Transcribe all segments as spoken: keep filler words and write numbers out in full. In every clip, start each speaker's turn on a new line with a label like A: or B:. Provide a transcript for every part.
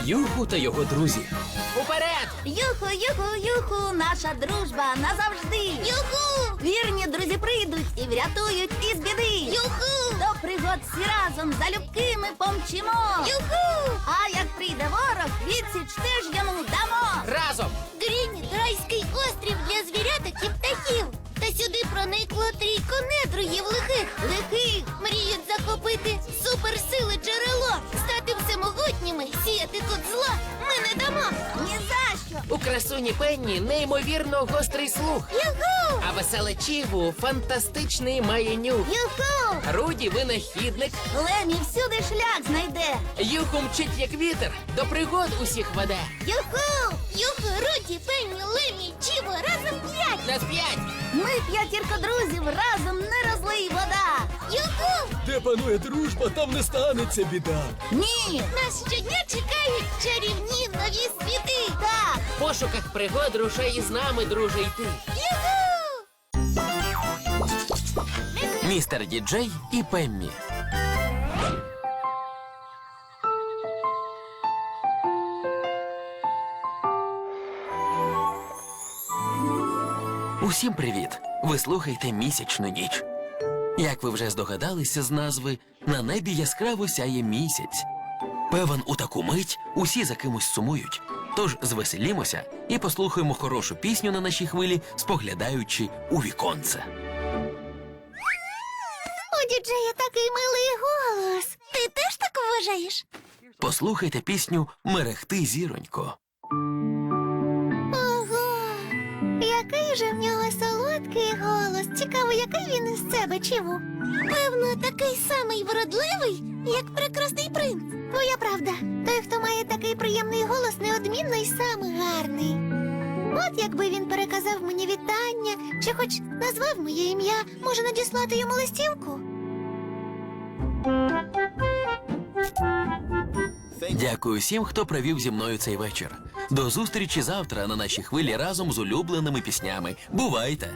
A: Юху та його друзі. Уперед!
B: Юху, юху, юху, наша дружба назавжди. Юху! Вірні друзі прийдуть і врятують із біди. Юху! До пригод всі разом залюбки ми помчимо. Юху! А як прийде ворог, відсіч теж йому дамо.
A: Разом!
B: Грініт – райський острів для звіряток і птахів. Та сюди проникло трійко недругів лихих. Лихих мріють захопити суперсили джерело. Стати всемогутніми, сіяти тут зло ми не дамо. Ні за що.
A: У красуні Пенні неймовірно гострий слух.
B: Юху!
A: А веселе Чіву фантастичний має нюх.
B: Юху!
A: Руді винахідник.
B: Лемі всюди шлях знайде.
A: Юху мчить як вітер, до пригод усіх веде.
B: Юху! Юху, Руді, Пенні, Лемі, Чіво, разом п'ять.
A: Нас п'ять!
B: Ми п'ятірка друзів, разом не розлий вода. Юху!
C: Де панує дружба, там не станеться біда.
B: Ні! Нас щодня чекають чарівні нові світи. Так!
A: В пошуках пригод рушай із нами, друже, йти.
B: Юху!
A: Містер Діджей і Пеммі. Усім привіт! Ви слухаєте «Місячну ніч». Як ви вже здогадалися з назви, на небі яскраво сяє місяць. Певен, у таку мить усі за кимось сумують. Тож звеселімося і послухаємо хорошу пісню на нашій хвилі, споглядаючи у віконце.
B: У діджея такий милий голос. Ти теж так вважаєш?
A: Послухайте пісню «Мерехти, зіронько».
B: Ого! Який же в нього солодкий голос. Цікаво, який він із себе, Чіву? Певно, такий самий вродливий, як прекрасний принц. Твоя правда. Той, хто має такий приємний голос, неодмінно й сам гарний. От якби він переказав мені вітання, чи хоч назвав моє ім'я, може надіслати йому листівку?
A: Дякую всім, хто провів зі мною цей вечір. До зустрічі завтра на нашій хвилі разом з улюбленими піснями. Бувайте!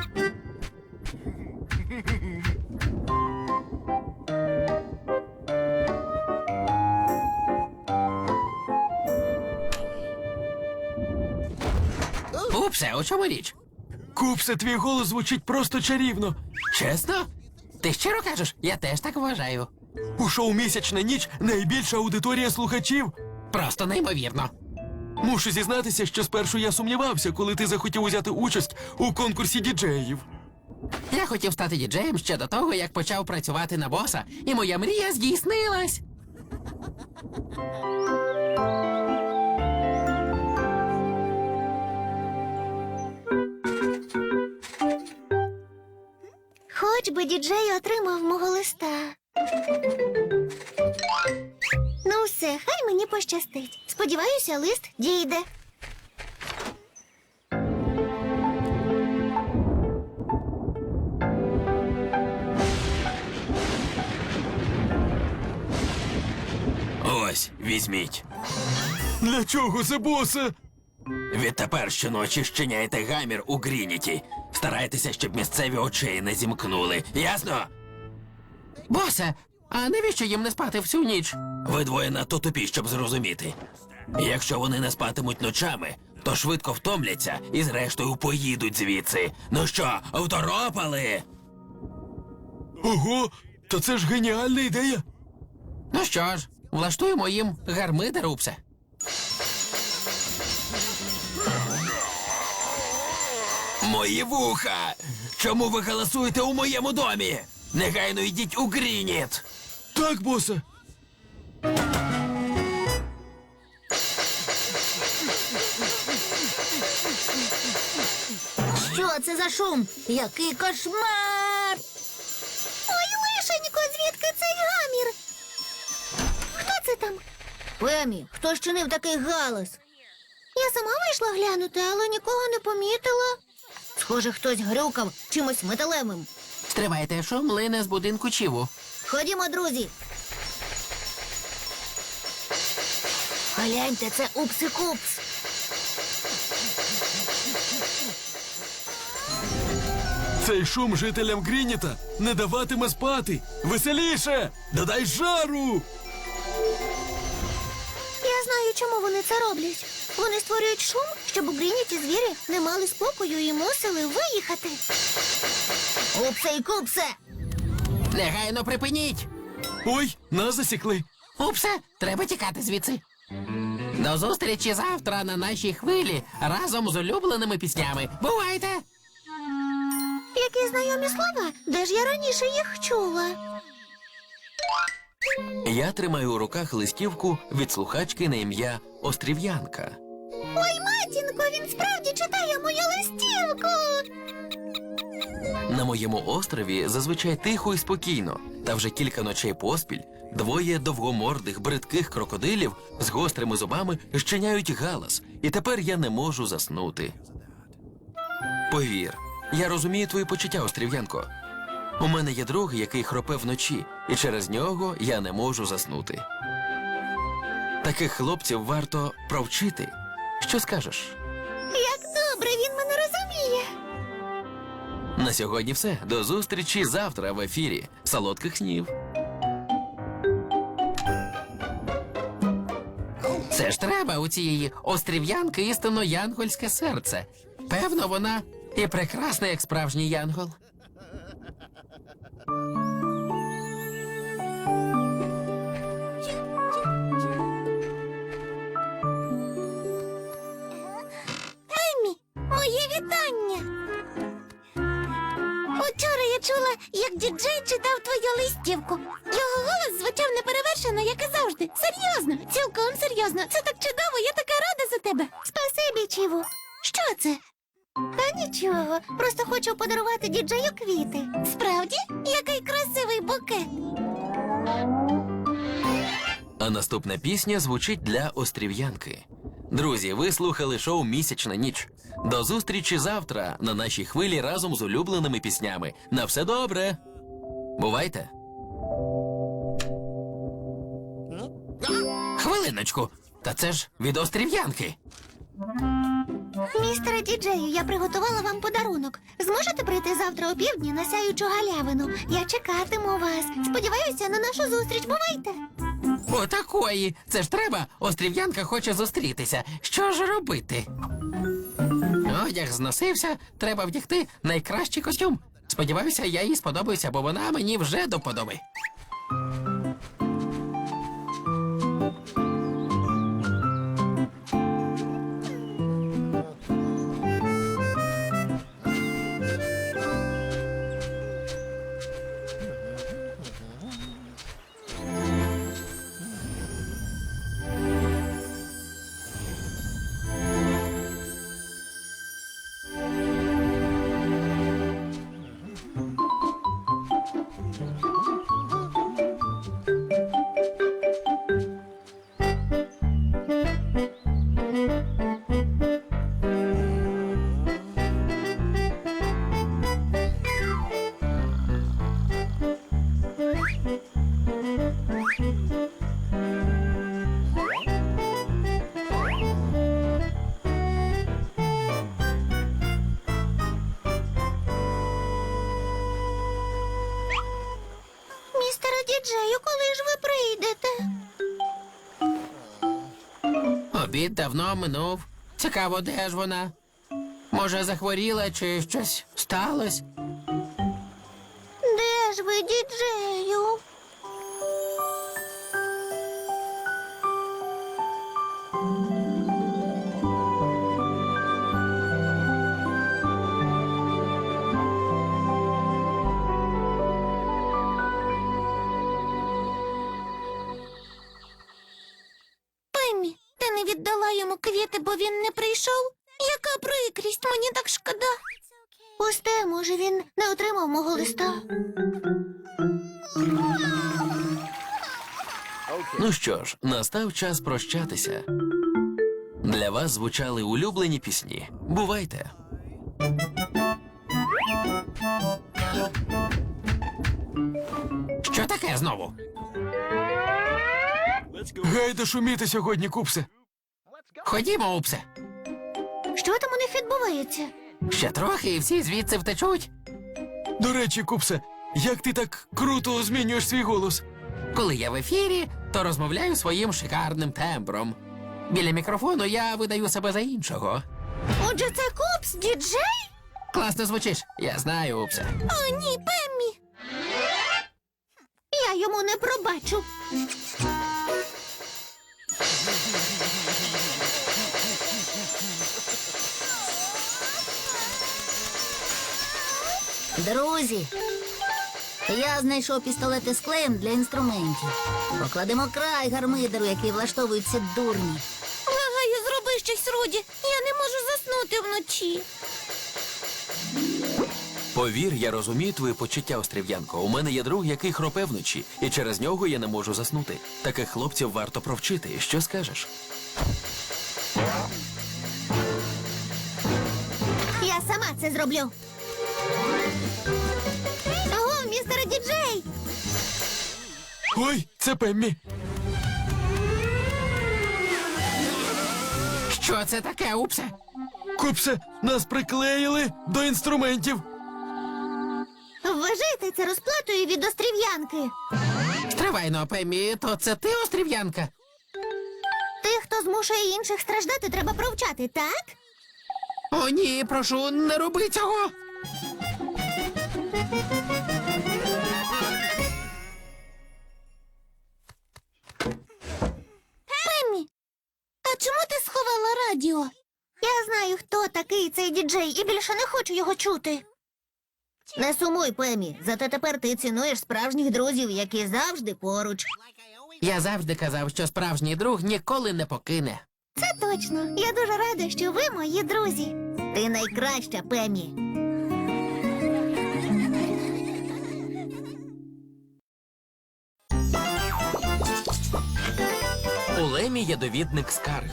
A: Упсе, у чому річ?
C: Купсе, твій голос звучить просто чарівно.
A: Чесно? Ти щиро кажеш? Я теж так вважаю.
C: У шоу «Місячна ніч» найбільша аудиторія слухачів.
A: Просто неймовірно.
C: Мушу зізнатися, що спершу я сумнівався, коли ти захотів взяти участь у конкурсі діджеїв.
A: Я хотів стати діджеєм ще до того, як почав працювати на боса, і моя мрія здійснилась.
B: Хоч би діджей отримав мого листа. Ну все, хай мені пощастить. Сподіваюся, лист дійде.
A: Ось, візьміть.
C: Для чого це, босе?
A: Відтепер щоночі щиняйте гамір у Грініті. Старайтеся, щоб місцеві очей не зімкнули. Ясно? Босе, а навіщо їм не спати всю ніч? Ви двоє надто тупі, щоб зрозуміти. Якщо вони не спатимуть ночами, то швидко втомляться і зрештою поїдуть звідси. Ну що, второпали?
C: Ого, то це ж геніальна ідея.
A: Ну що ж, влаштуємо їм гармидер, Упсе. Мої вуха! Чому ви галасуєте у моєму домі? Негайно йдіть у Грініт!
C: Так, босе.
B: Що це за шум? Який кошмар! Ой, лишенько, звідки цей гамір? Хто це там? Пемі, хто щинив такий галас? Я сама вийшла глянути, але нікого не помітила. Схоже, хтось грюкав чимось металевим.
A: Стривайте, шум лине з будинку Чіву.
B: Ходімо, друзі. Гляньте, це Упси-Купс.
C: Цей шум жителям Грініта не даватиме спати. Веселіше! Додай жару!
B: Я знаю розумію, чому вони це роблять. Вони створюють шум, щоб у Грініті звірі не мали спокою і мусили виїхати. Упсе і купсе!
A: Негайно припиніть!
C: Ой, нас засікли.
A: Упсе, треба тікати звідси. До зустрічі завтра на нашій хвилі разом з улюбленими піснями. Бувайте!
B: Які знайомі слова? Де ж я раніше їх чула?
C: Я тримаю у руках листівку від слухачки на ім'я Острів'янка.
B: Ой, матінко, він справді читає мою листівку!
C: На моєму острові зазвичай тихо і спокійно, та вже кілька ночей поспіль двоє довгомордих бридких крокодилів з гострими зубами щиняють галас, і тепер я не можу заснути. Повір, я розумію твої почуття, Острів'янко. У мене є друг, який хропе вночі, і через нього я не можу заснути. Таких хлопців варто провчити. Що скажеш?
B: Як добре він мене розуміє!
C: На сьогодні все. До зустрічі завтра в ефірі. Солодких снів.
A: Це ж треба у цієї острів'янки істинно янгольське серце. Певно, вона і прекрасна, як справжній янгол.
B: Еммі, моє вітання! Учора я чула, як діджей читав твою листівку. Його голос звучав неперевершено, як і завжди. Серйозно, цілком серйозно. Це так чудово, я така рада за тебе. Спасибі, Чіву. Що це? Та нічого, просто хочу подарувати діджею квіти. Справді? Який красивий букет.
C: А наступна пісня звучить для Острів'янки. Друзі, ви слухали шоу «Місячна ніч». До зустрічі завтра на нашій хвилі разом з улюбленими піснями. На все добре! Бувайте!
A: Хвилиночку, та це ж від острів'янки.
B: Містере діджею, я приготувала вам подарунок. Зможете прийти завтра о півдні на сяючу галявину? Я чекатиму вас. Сподіваюся на нашу зустріч. Бувайте!
A: Отакої. Це ж треба. Острів'янка хоче зустрітися. Що ж робити? Одяг зносився, треба вдягти найкращий костюм. Сподіваюся, я їй сподобаюся, бо вона мені вже до подоби.
B: Містере діджею, коли ж ви прийдете?
A: Обід давно минув. Цікаво, де ж вона? Може, захворіла чи щось сталося?
B: Де ж ви, діджею? Пеммі, ти не віддала йому квіти, бо він не прийшов? Яка прикрість, мені так шкода. Пусте, може, він не отримав мого листа.
C: Ну що ж, настав час прощатися. Для вас звучали улюблені пісні. Бувайте!
A: Що таке знову?
C: Гайда шуміти сьогодні, Купсе.
A: Ходімо, Упсе.
B: Що там у них відбувається?
A: Ще трохи і всі звідси втечуть.
C: До речі, Купсе, як ти так круто змінюєш свій голос?
A: Коли я в ефірі, то розмовляю своїм шикарним тембром. Біля мікрофону я видаю себе за іншого.
B: Отже, це Купс, діджей?
A: Класно звучиш. Я знаю, Упсе.
B: О, ні, Пеммі. Я йому не пробачу.
D: Друзі, я знайшов пістолети з клеєм для інструментів. Покладемо край гармидеру, який влаштовують ці дурні.
B: Благаю, зроби щось, Руді. Я не можу заснути вночі.
C: Повір, я розумію твої почуття, Острів'янко. У мене є друг, який хропе вночі, і через нього я не можу заснути. Таких хлопців варто провчити. Що скажеш?
B: Я сама це зроблю. Ого, містере діджей!
C: Ой, це Пеммі.
A: Що це таке, Упсе?
C: Купсе, нас приклеїли до інструментів.
B: Вважайте це розплатою від острів'янки.
A: Стривайно, Пеммі, то це ти, острів'янка?
B: Тих, хто змушує інших страждати, треба провчати, так?
A: О, ні, прошу, не роби цього.
B: Пеммі, а чому ти сховала радіо? Я знаю, хто такий цей діджей, і більше не хочу його чути. Не сумуй, Пеммі, зате тепер ти цінуєш справжніх друзів, які завжди поруч.
A: Я завжди казав, що справжній друг ніколи не покине.
B: Це точно. Я дуже рада, що ви мої друзі. Ти найкраща, Пеммі.
C: У Лемі є довідник скарг.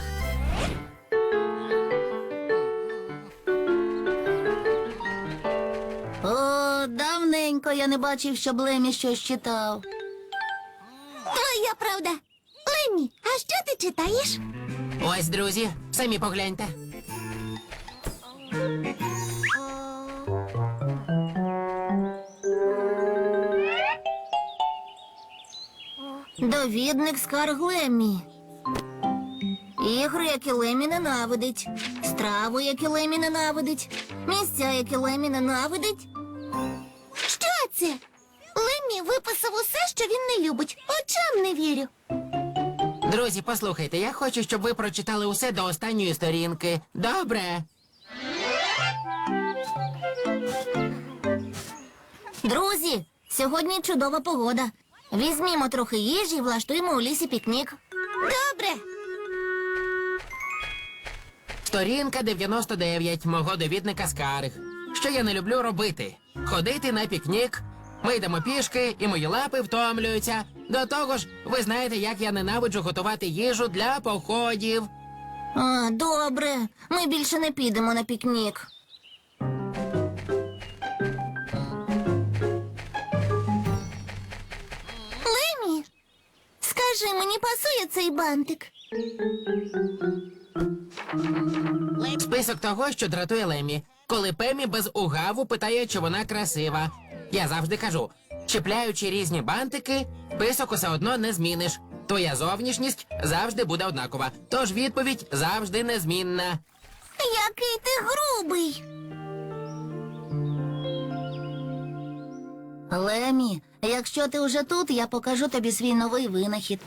D: О, давненько я не бачив, щоб Лемі щось читав.
B: Твоя правда. Леммі, а що ти читаєш?
A: Ось, друзі, самі погляньте.
D: Довідник скарг Лемі. Ігри, які Лемі ненавидить. Страву, які Лемі ненавидить. Місця, які Лемі ненавидить.
B: Що це? Леммі виписав усе, що він не любить. Очам не вірю.
A: Друзі, послухайте, я хочу, щоб ви прочитали усе до останньої сторінки. Добре?
D: Друзі, сьогодні чудова погода. Візьмімо трохи їжі і влаштуємо у лісі пікнік.
B: Добре.
A: Сторінка дев'яносто дев'ять мого довідника скарг. Що я не люблю робити? Ходити на пікнік. Ми йдемо пішки, і мої лапи втомлюються. До того ж, ви знаєте, як я ненавиджу готувати їжу для походів.
D: А, добре. Ми більше не підемо на пікнік.
B: Леммі, скажи, мені пасує цей бантик?
A: Список того, що дратує Лемі. Коли Пеммі без угаву питає, чи вона красива. Я завжди кажу, чіпляючи різні бантики, список усе одно не зміниш. Твоя зовнішність завжди буде однакова, тож відповідь завжди незмінна.
B: Який ти грубий.
D: Лемі, якщо ти вже тут, я покажу тобі свій новий винахід.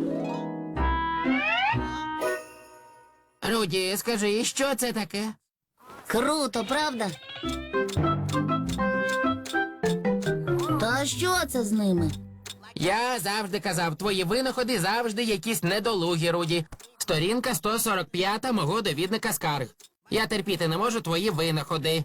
A: Руді, скажи, що це таке?
D: Круто, правда? Та що це з ними?
A: Я завжди казав, твої винаходи завжди якісь недолугі, Руді. Сторінка сто сорок п'ять мого довідника скарг. Я терпіти не можу твої винаходи.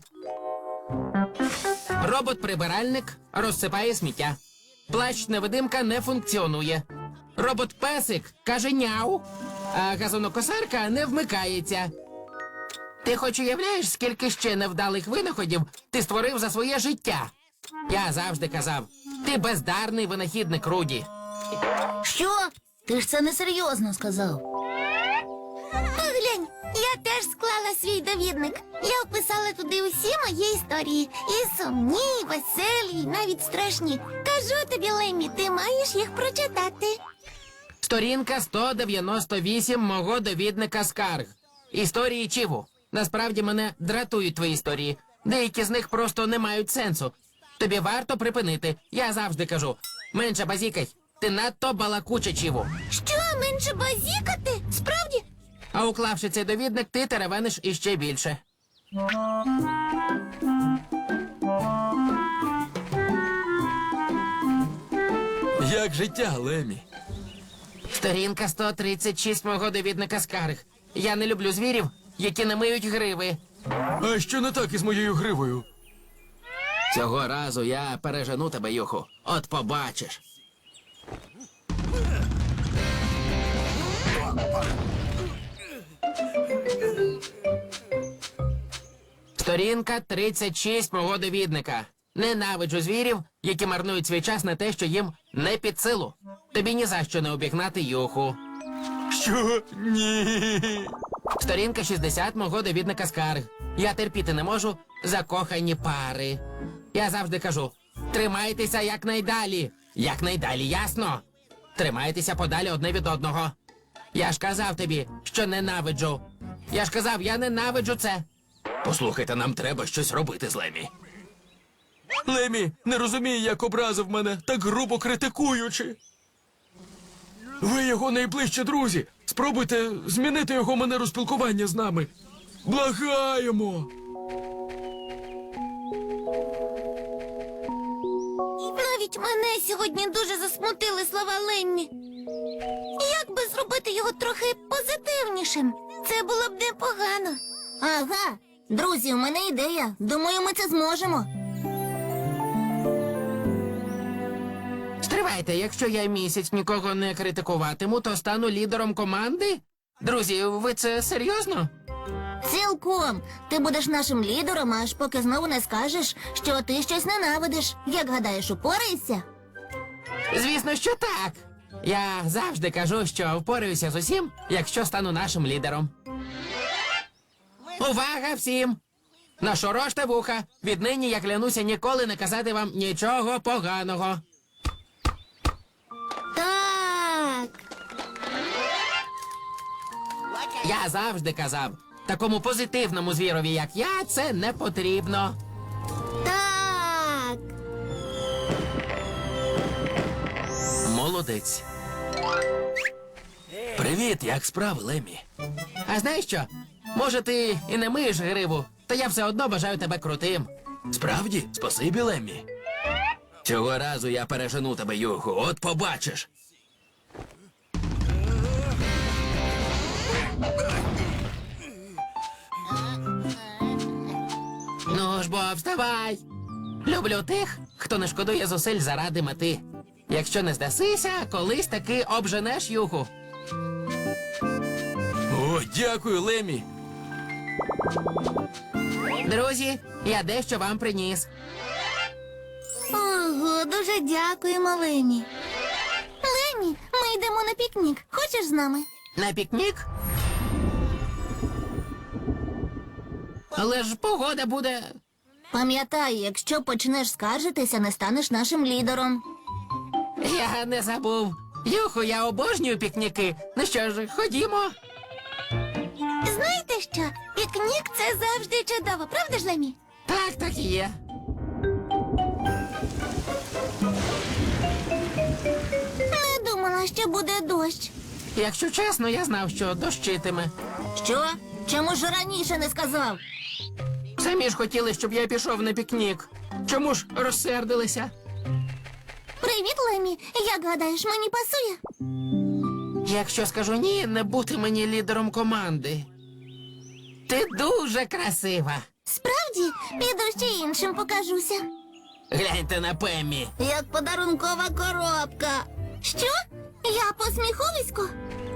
A: Робот-прибиральник розсипає сміття. Плащ-невидимка не функціонує. Робот-песик каже няу, а газонокосарка не вмикається. Ти хоч уявляєш, скільки ще невдалих винаходів ти створив за своє життя? Я завжди казав, ти бездарний винахідник, Руді.
D: Що? Ти ж це несерйозно сказав.
B: Поглянь, я теж склала свій довідник. Я вписала туди усі мої історії. І сумні, і веселі, і навіть страшні. Кажу тобі, Леммі, ти маєш їх прочитати.
A: Сторінка сто дев'яносто вісім мого довідника скарг. Історії Чіву. Насправді мене дратують твої історії. Деякі з них просто не мають сенсу. Тобі варто припинити. Я завжди кажу. Менше базікай. Ти надто балакуча, Чіву.
B: Що, менше базікати? Справді?
A: А уклавши цей довідник, ти теревениш іще більше.
C: Як життя, Лемі?
A: Сторінка сто тридцять шість мого довідника скарг. Я не люблю звірів, які не миють гриви.
C: А що не так із моєю гривою?
A: Цього разу я пережену тебе, Юху. От побачиш. Сторінка тридцять шість мого довідника. Ненавиджу звірів, які марнують свій час на те, що їм не під силу. Тобі ні за що не обігнати Юху.
C: Що? Ні.
A: Сторінка шістдесят мого довідника скарг. Я терпіти не можу закохані пари. Я завжди кажу, тримайтеся якнайдалі. Якнайдалі, ясно? Тримайтеся подалі одне від одного. Я ж казав тобі, що ненавиджу. Я ж казав, я ненавиджу це. Послухайте, нам треба щось робити з Лемі.
C: Лемі не розуміє, як образив мене, так грубо критикуючи. Ви його найближчі друзі. Спробуйте змінити його манеру спілкування з нами. Благаємо.
B: Навіть мене сьогодні дуже засмутили слова Ленні. Як би зробити його трохи позитивнішим? Це було б непогано.
D: Ага. Друзі, у мене ідея. Думаю, ми це зможемо.
A: Стривайте, якщо я місяць нікого не критикуватиму, то стану лідером команди? Друзі, ви це серйозно?
D: Цілком. Ти будеш нашим лідером, аж поки знову не скажеш, що ти щось ненавидиш. Як гадаєш, упораєшся?
A: Звісно, що так. Я завжди кажу, що впораюся з усім, якщо стану нашим лідером. Увага всім! Нашороште вуха. Віднині я клянуся ніколи не казати вам нічого поганого.
B: Так.
A: Я завжди казав, такому позитивному звірові, як я, це не потрібно.
B: Так.
C: Молодець. Привіт, як справи, Лемі?
A: А знаєш що? Може, ти і не миєш гриву, та я все одно бажаю тебе крутим.
C: Справді? Спасибі, Лемі. Цього разу я пережену тебе, Юху, от побачиш.
A: Ну ж бо, вставай. Люблю тих, хто не шкодує зусиль заради мети. Якщо не здасися, колись таки обженеш Юху.
C: О, дякую, Лемі.
A: Друзі, я дещо вам приніс.
B: Ого, дуже дякуємо, Лемі. Лемі, ми йдемо на пікнік. Хочеш з нами?
A: На пікнік? Але ж погода буде.
D: Пам'ятай, якщо почнеш скаржитися, не станеш нашим лідером.
A: Я не забув. Юху, я обожнюю пікніки. Ну що ж, ходімо.
B: Знаєте що? Пікнік – це завжди чудово, правда ж, Лемі?
A: Так, так і є.
B: Не думала, що буде дощ.
A: Якщо чесно, я знав, що дощитиме.
D: Що? Чому ж раніше не сказав?
A: Самі ж хотіли, щоб я пішов на пікнік. Чому ж розсердилися?
B: Привіт, Лемі. Як гадаєш, мені пасує?
A: Якщо скажу ні, не бути мені лідером команди. Ти дуже красива.
B: Справді, піду ще іншим покажуся.
A: Гляньте на Пеммі.
D: Як подарункова коробка.
B: Що? Я посміховисько?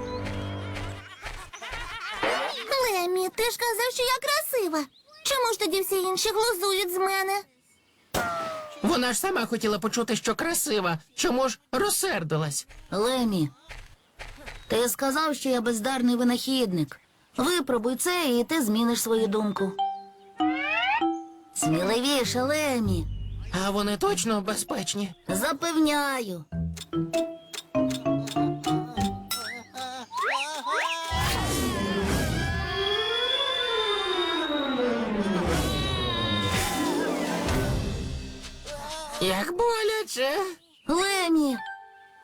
B: Лемі, ти ж казав, що я красива. Чому ж тоді всі інші глузують з мене?
A: Вона ж сама хотіла почути, що красива. Чому ж розсердилась?
D: Лемі, ти сказав, що я бездарний винахідник. Випробуй це, і ти зміниш свою думку. Сміливіше, Лемі.
A: А вони точно безпечні?
D: Запевняю.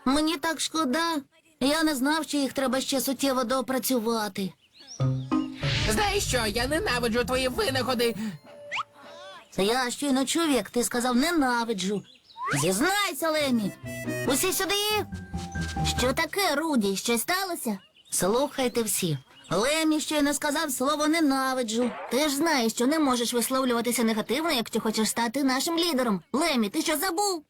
D: Мені так шкода. Я не знав, що їх треба ще суттєво доопрацювати.
A: Знаєш що, я ненавиджу твої винаходи.
D: Я щойно чув, як ти сказав ненавиджу. Зізнайся, Лемі. Усі сюди. Що таке, Руді? Щось сталося? Слухайте всі. Лемі щойно сказав слово ненавиджу. Ти ж знаєш, що не можеш висловлюватися негативно, якщо хочеш стати нашим лідером. Лемі, ти що забув?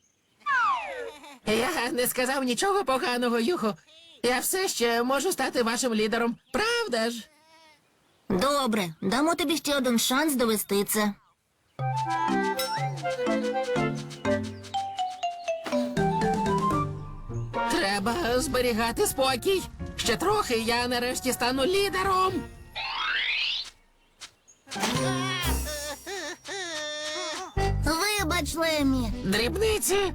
A: Я не сказав нічого поганого, Юхо. Я все ще можу стати вашим лідером. Правда ж?
D: Добре, дамо тобі ще один шанс довести це.
A: Треба зберігати спокій. Ще трохи, я нарешті стану лідером.
D: Вибач, Лемі.
A: Дрібниці.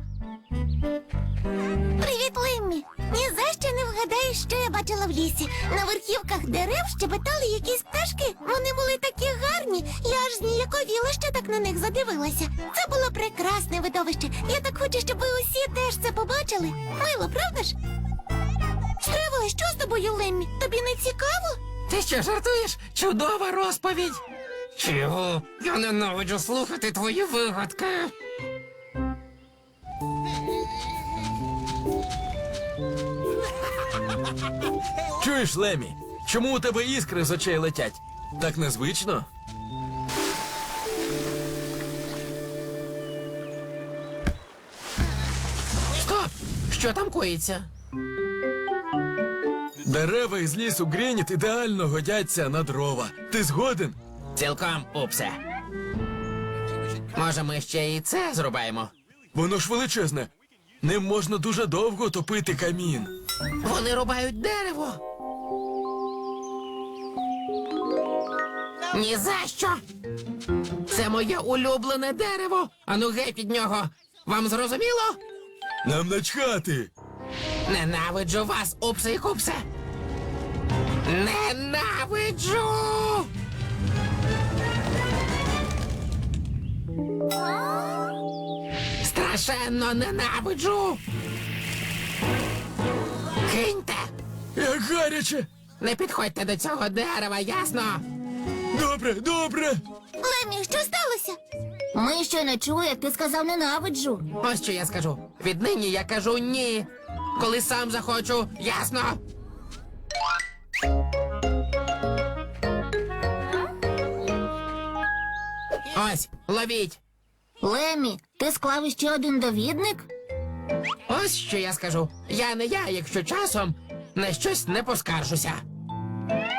B: Привіт, Леммі. Ні за що не вгадаєш, що я бачила в лісі. На верхівках дерев щебетали якісь пташки. Вони були такі гарні. Я аж зніяковіла, що так на них задивилася. Це було прекрасне видовище. Я так хочу, щоб ви усі теж це побачили. Мило, правда ж? Стривай, що з тобою, Леммі? Тобі не цікаво?
A: Ти що, жартуєш? Чудова розповідь. Чого? Я ненавиджу слухати твої вигадки.
C: Чуєш, Лемі? Чому у тебе іскри з очей летять? Так незвично?
A: Стоп! Що там коїться?
C: Дерева із лісу Грініт ідеально годяться на дрова. Ти згоден?
A: Цілком, упсе. Може, ми ще і це зрубаємо?
C: Воно ж величезне. Ним можна дуже довго топити камін.
A: Вони рубають дерево. Ні за що. Це моє улюблене дерево. Ану геть від нього. Вам зрозуміло?
C: Нам начхати.
A: Ненавиджу вас, упсе і купсе. Ненавиджу! Страшенно ненавиджу! Киньте!
C: Як гаряче.
A: Не підходьте до цього дерева, ясно?
C: Добре, добре.
B: Леммі, що сталося?
D: Ми щойно чули, як ти сказав ненавиджу.
A: Ось що я скажу. Віднині я кажу ні. Коли сам захочу, ясно? Ось, ловіть.
D: Лемі, ти склав іще один довідник?
A: Ось що я скажу. Я не я, якщо часом на щось не поскаржуся.